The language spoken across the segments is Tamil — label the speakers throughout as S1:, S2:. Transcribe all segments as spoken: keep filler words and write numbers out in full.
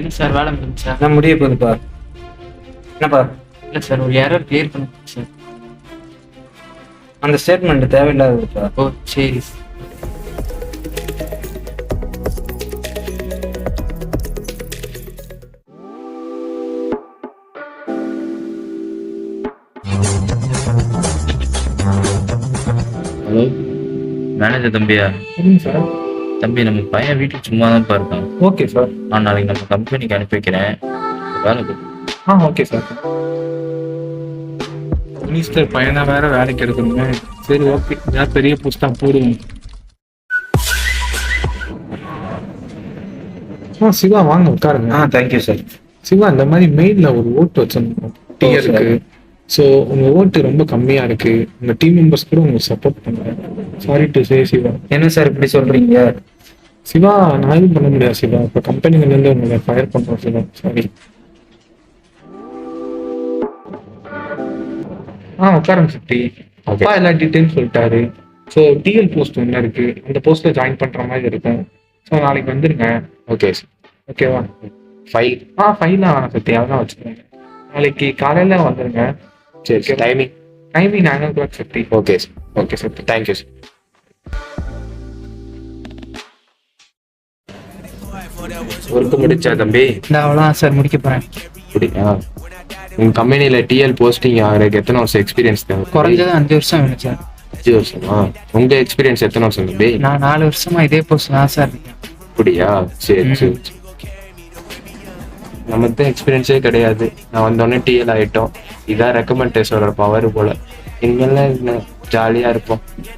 S1: என்ன சார் வேலை முடிஞ்சா?
S2: நான் முடிய போகுதுப்பா. என்னப்பா?
S1: இல்லை சார், ஒரு எரர் கிளியர் பண்ணுங்க சார்.
S2: அந்த ஸ்டேட்மெண்ட் தேவையில்லாததுப்பா.
S1: ஓ சரி.
S3: ஹலோ, மேனேஜர் தம்பியா?
S2: சரிங்க சார்.
S3: தம்பி, நம்ம பையன் வீட்டுக்கு சும்மா தான் இருக்கான்.
S2: Okay sir.
S3: நான் நாளைக்கு நம்ம கம்பெனிக்கு அனுப்பி வைக்கிறேன். வேலைக்கு.
S2: ஆ ஓகே சார். மினிஸ்டர் பையனை வேற வேலைக்கு எடுக்கணுங்க. சரி ஓகே, ஏதாவது பெரிய போஸ்டா போடுவோம். ஆ சிவா வாங்க உட்காருங்க.
S4: ஆ தேங்க்யூ சார்.
S2: சிவா, இந்த மாதிரி மெயில்ல ஒரு ஓட்டு வச்சிருந்தோம் டிஆருக்கு. ஸோ உங்க ஓட்டு ரொம்ப கம்மியா இருக்கு. உங்க டீம் மெம்பர்ஸ் கூட உங்களுக்கு சப்போர்ட் பண்ணுங்க. Sorry to say Siva.
S4: என்ன சார் இப்படி சொல்றீங்க?
S2: சிவா, நான் எதுவும் பண்ண முடியாது சிவா. இப்போ கம்பெனில இருந்து உங்களை ஃபயர் பண்றோம் சிவா. சாரி. ஆ உட்காருங்க சிட்டி. அப்பா எல்லா டீட்டெயில்ஸ் சொல்லிட்டாரு. ஸோ டிஎல் போஸ்ட் ஒன்று இருக்கு, அந்த போஸ்ட்ல ஜாயின் பண்ற மாதிரி இருக்கும். ஸோ நாளைக்கு வந்துருங்க.
S4: Okay sir.
S2: ஓகேவா?
S4: ஃபைல்.
S2: ஆ ஃபைலாம் வேணாம் சத்தி, அதெல்லாம் வச்சுக்கோங்க. நாளைக்கு காலையில வந்துருங்க.
S4: சரி, timing
S2: timing nine o'clock Sathi.
S4: Okay sir.
S2: Okay Sathi,
S4: thank you sir. Work முடிச்சா தம்பி?
S1: இந்த அவ்வளோதான் சார், முடிக்க போகிறேன்.
S4: அப்படியா? உங்க கம்பெனியில டிஎல் போஸ்டிங் ஆகிறதுக்கு எத்தனை வருஷம் எக்ஸ்பீரியன்ஸ் தேவை?
S1: குறைஞ்சது அஞ்சு வருஷம் வேணும் சார்.
S4: அஞ்சு வருஷமா? உங்க எக்ஸ்பீரியன்ஸ் எத்தனை வருஷம் தம்பி?
S1: நான் நாலு வருஷமா இதே போஸ்ட் தான் சார் இருக்கேன்.
S4: அப்படியா? சரி சரி. நமக்கு தான் எக்ஸ்பீரியன்ஸே கிடையாது. நான் வந்தோடனே டிஎல் ஆகிட்டோம். இதான் ரெக்கமெண்டேஷனோட பவர் போல. இங்கெல்லாம் என்ன ஜாலியா இருப்போம்.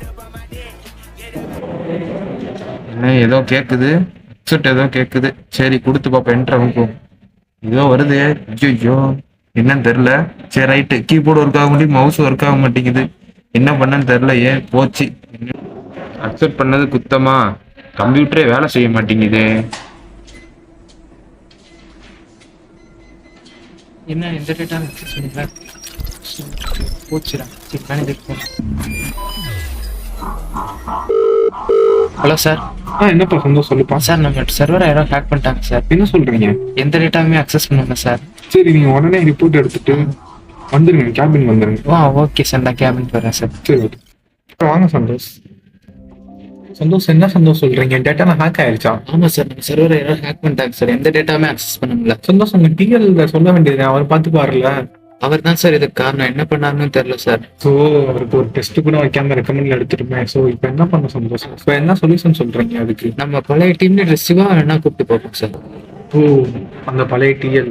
S5: என்ன ஏதோ கேட்குது, ஹெட்செட் ஏதோ கேட்குது. சரி கொடுத்து பார்ப்போம். என்ட்ரவுக்கும் ஏதோ வருது. ஐயோ என்னன்னு தெரில. சரி ரைட்டு, கீபோர்டு ஒர்க் ஆக மாட்டேங்குது, மவுஸ் ஒர்க் ஆக மாட்டேங்குது. என்ன பண்ணன்னு தெரில. ஏன் போச்சு? அக்செப்ட் பண்ணது குத்தமா? கம்ப்யூட்டரே வேலை செய்ய மாட்டேங்குது.
S1: என்ன எந்த டேட்டா சொல்லுங்க. போச்சுடா. சரி மேனேஜர் ஃபோன். Hello sir.
S2: ஆ என்னப்பா சந்தோஷம் சொல்லுப்பா.
S1: சார் நம்ம சர்வர் யாரோ ஹேக் பண்ணிட்டாங்க சார்.
S2: என்ன சொல்றீங்க?
S1: எந்த டேட்டாவுமே அக்சஸ் பண்ணுங்க சார்.
S2: சரி, நீங்க உடனே ரிப்போர்ட் எடுத்துட்டு வந்துருங்க, கேபின் வந்துருங்க.
S1: ஆ ஓகே சார், நான் கேபின் போகிறேன் சார்.
S2: சரி ஓகே. வாங்க சந்தோஷ். சந்தோஷ், என்ன சந்தோஷ் சொல்றீங்க? டேட்டாலாம் ஹேக் ஆயிருச்சா?
S1: ஆமாம் சார், நம்ம சர்வர் யாரோ ஹேக் பண்ணிட்டாங்க சார். எந்த டேட்டாவுமே அக்சஸ் பண்ண முடியல.
S2: சந்தோஷ், உங்க டிஎல் சொல்ல வேண்டியது, அவர் பார்த்து பாருல.
S1: அவர் தான் சார் இதுக்கு காரணம். என்ன பண்ணாருன்னு தெரியல சார்.
S2: ஸோ அவருக்கு ஒரு டெஸ்ட் கூட வைக்காம ரெக்கமெண்ட்ல எடுத்துருமே. ஸோ இப்போ என்ன பண்ண சந்தோஷம்? இப்போ என்ன சொல்யூஷன் சொல்றீங்க அதுக்கு?
S1: நம்ம பழைய டீம் லீடர் சிவா வேணா கூப்பிட்டு பார்ப்போம் சார்.
S2: ஓ, அந்த பழைய டிஎல்.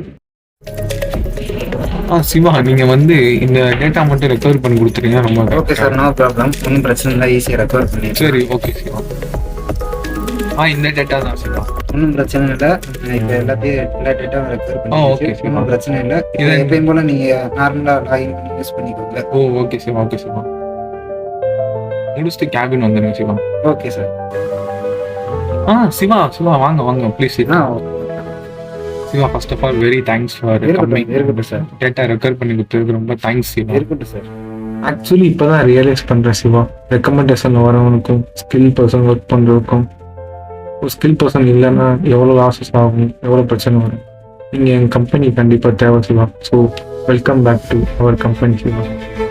S2: ஆ சிவா, நீங்க வந்து இந்த டேட்டா மட்டும் ரெக்கவர் பண்ணி கொடுத்துருங்க. ரொம்ப
S4: ஓகே சார், நோ ப்ராப்ளம். ஒன்றும் பிரச்சனை இல்லை, ஈஸியாக ரெக்கவர் பண்ணி.
S2: சரி ஓகே சிவா. ஆ இந்த டேட்டா தான் சிவா.
S4: ஒன்றும் பிரச்சனை இல்லை. இப்போ எல்லாத்தையும் எல்லா டேட்டாவும் ரெக்கவர்
S2: ஆ, okay,
S4: பண்ணி.
S2: sir.
S4: ஒன்றும் பிரச்சனை இல்லை.
S2: இது
S4: எப்பயும் போல நீங்கள் நார்மலாக லாகின் பண்ணி யூஸ் பண்ணிக்கோங்க.
S2: ஓ ஓகே சிவா. ஓகே சிவா, முடிச்சுட்டு கேபின் வந்துருங்க சிவா.
S4: Okay sir.
S2: ஆ சிவா சிவா வாங்க வாங்க ப்ளீஸ்.
S4: ஆ
S2: Siva, first of all very thanks for coming.
S4: இருக்கட்டும் சார்.
S2: டேட்டா ரெக்கவர் பண்ணி கொடுத்ததுக்கு ரொம்ப தேங்க்ஸ் சிவா.
S4: இருக்கட்டும் சார்.
S2: ஆக்சுவலி இப்போ தான் ரியலைஸ் பண்ணுறேன் சிவா, ரெக்கமெண்டேஷனில் வரவனுக்கும் ஸ்கில் பர்சன் ஒர்க் பண்ணுறதுக்கும் ஒரு ஸ்கில் பர்சன் இல்லைன்னா எவ்வளோ லாஸஸ் ஆகும், எவ்வளோ பிரச்சனை வரும். நீங்கள் எங்கள் கம்பெனி கண்டிப்பாக தேவை Siva. So welcome back to our company Siva.